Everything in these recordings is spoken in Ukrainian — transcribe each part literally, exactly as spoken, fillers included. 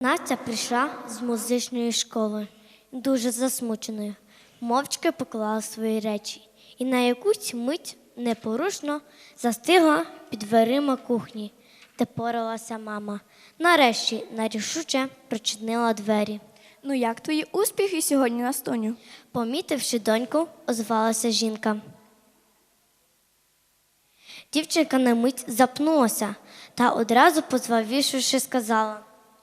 Настя прийшла з музичної школи, дуже засмученою, мовчки поклала свої речі і на якусь мить непорушно застигла під дверима кухні, де поралася мама. Нарешті нерішуче прочинила двері. Ну як твої успіхи сьогодні, Настуню? Помітивши доньку, озвалася жінка. Дівчинка на мить запнулася та одразу позвавішивши сказала: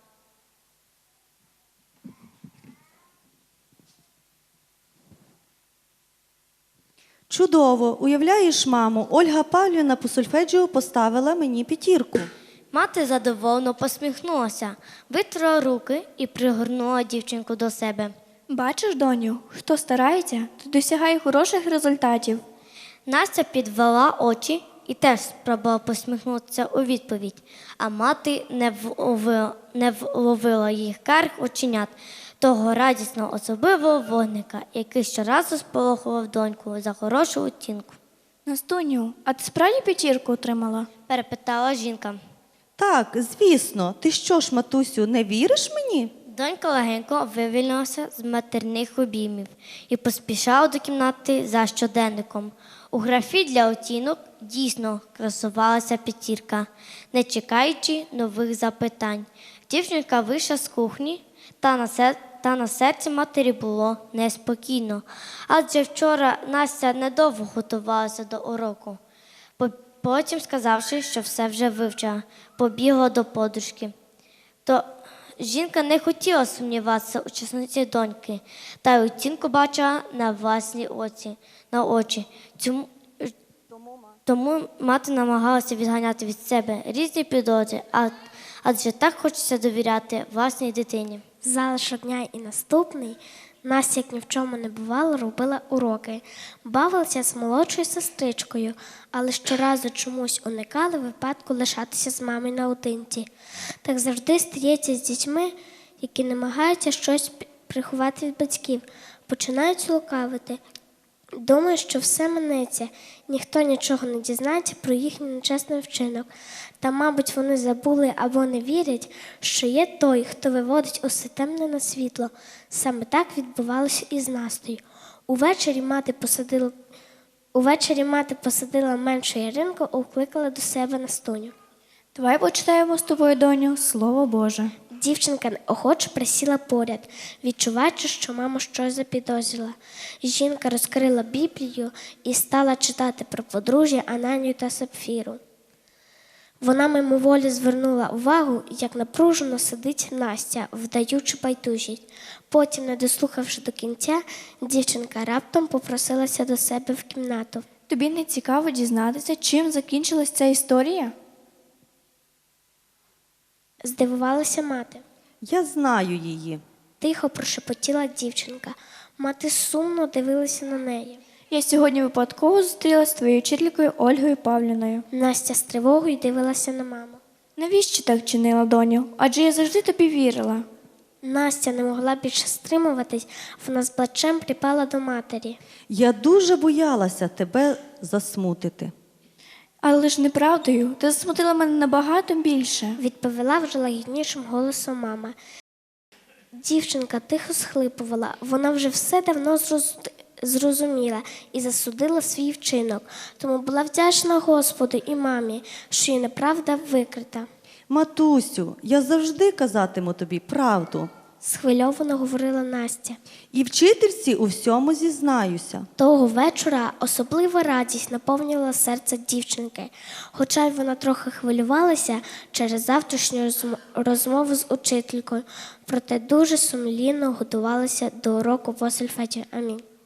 Чудово! Уявляєш, мамо, Ольга Павлівна по сольфеджіо поставила мені п'ятірку. Мати задоволено посміхнулася, витерла руки і пригорнула дівчинку до себе. Бачиш, доню, хто старається, то досягає хороших результатів. Настя підвела очі і теж спробувала посміхнутися у відповідь, а мати не вловила, не вловила їх карих оченят, того радісного особливого вогника, який щоразу сполохував доньку за хорошу оцінку. Настуню, а ти справді п'ятірку отримала? Перепитала жінка. Так, звісно. Ти що ж, матусю, не віриш мені? Донька легенько вивільнилася з матерних обіймів і поспішала до кімнати за щоденником. У графі для оцінок дійсно красувалася п'ятірка, не чекаючи нових запитань. Дівчинка вийшла з кухні, та на, сер... та на серці матері було неспокійно, адже вчора Настя недовго готувалася до уроку. Потім, сказавши, що все вже вивчила, побігла до подружки. То жінка не хотіла сумніватися у чесноті доньки, та й оцінку бачила на власні очі. На очі. Цьому, тому мати намагалася відганяти від себе різні підозри, адже так хочеться довіряти власній дитині. Залишок дня і наступний Настя, як ні в чому не бувало, робила уроки. Бавилася з молодшою сестричкою, але щоразу чомусь уникали випадку лишатися з мамою наодинці. Так завжди стається з дітьми, які намагаються щось приховати від батьків, починають лукавити. Думаю, що все минеться, ніхто нічого не дізнається про їхній нечесний вчинок. Та, мабуть, вони забули або не вірять, що є той, хто виводить усе темне на світло. Саме так відбувалося і з Настею. Увечері мати посадила, Увечері мати посадила меншу Яринку і укликала до себе Настуню. Давай почитаємо з тобою, доню, Слово Боже. Дівчинка неохоче присіла поряд, відчуваючи, що мама щось запідозрила. Жінка розкрила Біблію і стала читати про подружжя Ананію та Сапфіру. Вона мимоволі звернула увагу, як напружено сидить Настя, вдаючи байдужість. Потім, не дослухавши до кінця, дівчинка раптом попросилася до себе в кімнату. Тобі не цікаво дізнатися, чим закінчилась ця історія? Здивувалася мати. Я знаю її. Тихо прошепотіла дівчинка. Мати сумно дивилася на неї. Я сьогодні випадково зустрілася з твоєю вчителькою Ольгою Павлівною. Настя з тривогою дивилася на маму. Навіщо так чинила, доню? Адже я завжди тобі вірила. Настя не могла більше стримуватись, вона з плачем припала до матері. Я дуже боялася тебе засмутити. Але ж неправдою, ти засмутила мене набагато більше. Відповіла вже лагіднішим голосом мама. Дівчинка тихо схлипувала, вона вже все давно зроз... зрозуміла і засудила свій вчинок, тому була вдячна Господу і мамі, що її неправда викрита. Матусю, я завжди казатиму тобі правду. Схвильовано говорила Настя. І вчительці у всьому зізнаюся. Того вечора особлива радість наповнювала серце дівчинки, хоча й вона трохи хвилювалася через завтрашню розмову з учителькою, проте дуже сумлінно готувалася до уроку по сольфеджіо. Амінь.